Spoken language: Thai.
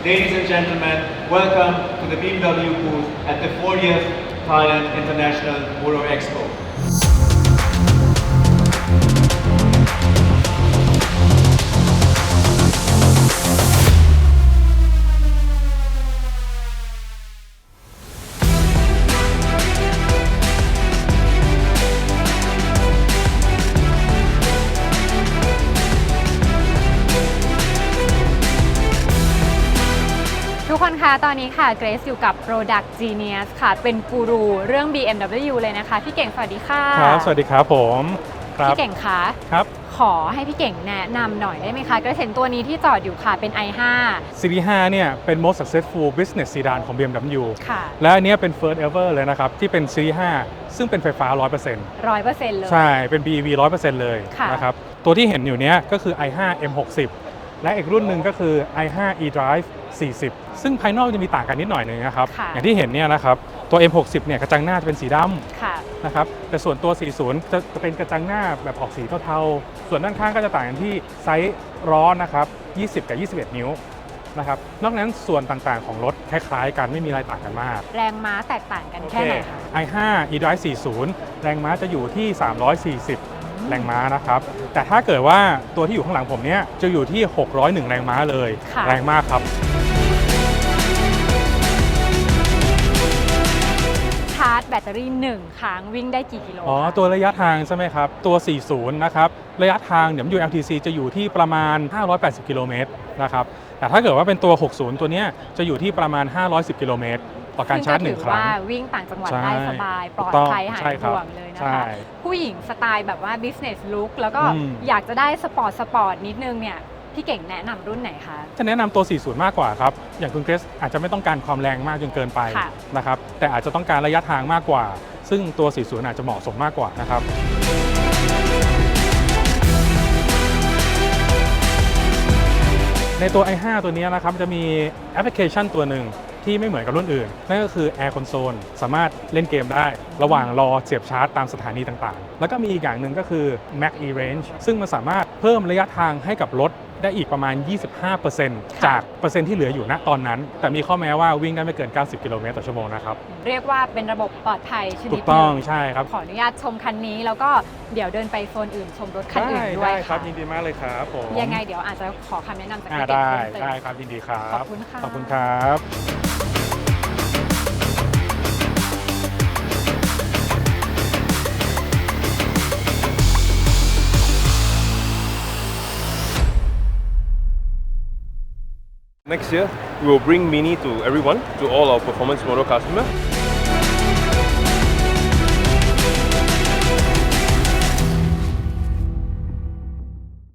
Ladies and gentlemen, welcome to the BMW booth at the 40th Thailand International Motor Expo. ทุกคนคะตอนนี้ค่ะเกรซอยู่กับ Product Genius ค่ะเป็นกูรูเรื่อง BMW เลยนะคะพี่เก่งสวัสดีค่ะครับสวัสดีครับผมพี่เก่งคะครับขอให้พี่เก่งแนะนำหน่อยได้ไหมคะเกรซเห็นตัวนี้ที่จอดอยู่ค่ะเป็น i5 Series 5เนี่ยเป็น most successful business sedan ของ BMW ค่ะและอันนี้เป็น first ever เลยนะครับที่เป็น Series 5ซึ่งเป็นไฟฟ้า 100% 100%เลยใช่เป็น BEV 100% เลยนะครับตัวที่เห็นอยู่เนี้ยก็คือ i5 M60 และอีกรุ่นหนึ่งก็คือ i5 eDrive 40 ซึ่งภายนอกจะมีต่างกันนิดหน่อยนึงนะครับอย่างที่เห็นเนี่ยนะครับตัว M60 เนี่ยกระจังหน้าจะเป็นสีดำนะครับแต่ส่วนตัว 40 จะเป็นกระจังหน้าแบบออกสีเทาๆส่วนด้านข้างก็จะต่างกันที่ไซส์ล้อนะครับ20 กับ 21 นิ้วนะครับนอกนั้นส่วนต่างๆของรถคล้ายๆกันไม่มีอะไรต่างกันมากแรงม้าแตกต่างกันแค่ไหนคะ i5 eDrive 40 แรงม้าจะอยู่ที่340แรงม้านะครับแต่ถ้าเกิดว่าตัวที่อยู่ข้างหลังผมเนี้ยจะอยู่ที่601แรงม้าเลยแรงมากครับชาร์จแบตเตอรี่1ครั้งวิ่งได้กี่กิโลตัวระยะทางใช่ไหมครับตัว40นะครับระยะทางเดี๋ยว LTC จะอยู่ที่ประมาณ580กิโลเมตรนะครับแต่ถ้าเกิดว่าเป็นตัว60ตัวเนี้ยจะอยู่ที่ประมาณ510กิโลเมตรต่อการชาร์จ1ครั้งว่าวิ่งต่างจังหวัดได้สบายปลอดภัยหายห่วงเลยนะคะผู้หญิงสไตล์แบบว่า business look แล้วก็อยากจะได้สปอร์ตนิดนึงเนี่ยพี่เก่งแนะนำรุ่นไหนคะจะแนะนำตัว40มากกว่าครับอย่างคุณเกรซอาจจะไม่ต้องการความแรงมากจนเกินไปนะครับแต่อาจจะต้องการระยะทางมากกว่าซึ่งตัว40อาจจะเหมาะสมมากกว่านะครับในตัว i5 ตัวนี้นะครับจะมีแอปพลิเคชันตัวหนึ่งที่ไม่เหมือนกับรุ่นอื่นนั่นก็คือ Air Console สามารถเล่นเกมได้ระหว่างรอเสียบชาร์จตามสถานีต่างๆแล้วก็มีอีกอย่างหนึ่งก็คือ Max E-Range ซึ่งมันสามารถเพิ่มระยะทางให้กับรถได้อีกประมาณ 25% จากเปอร์เซ็นต์ที่เหลืออยู่ณตอนนั้นแต่มีข้อแม้ว่าวิ่งได้ไม่เกิน90กิโลเมตรต่อชั่วโมงนะครับเรียกว่าเป็นระบบปลอดภัยชนิดถูกต้องใช่ครับขออนุญาตชมคันนี้แล้วก็เดี๋ยวเดินไปโซนอื่นชมรถคันอื่นด้วยได้ครับยินดีมากเลยครับผมยังไงเดี๋ยวอาจจะขอคำแนะนำจากพี่เก่งได้ครับยินดีครับขอบคุณค่ะขอบคุณครับ Next year, we will bring Mini to everyone, to all our performance motor customers.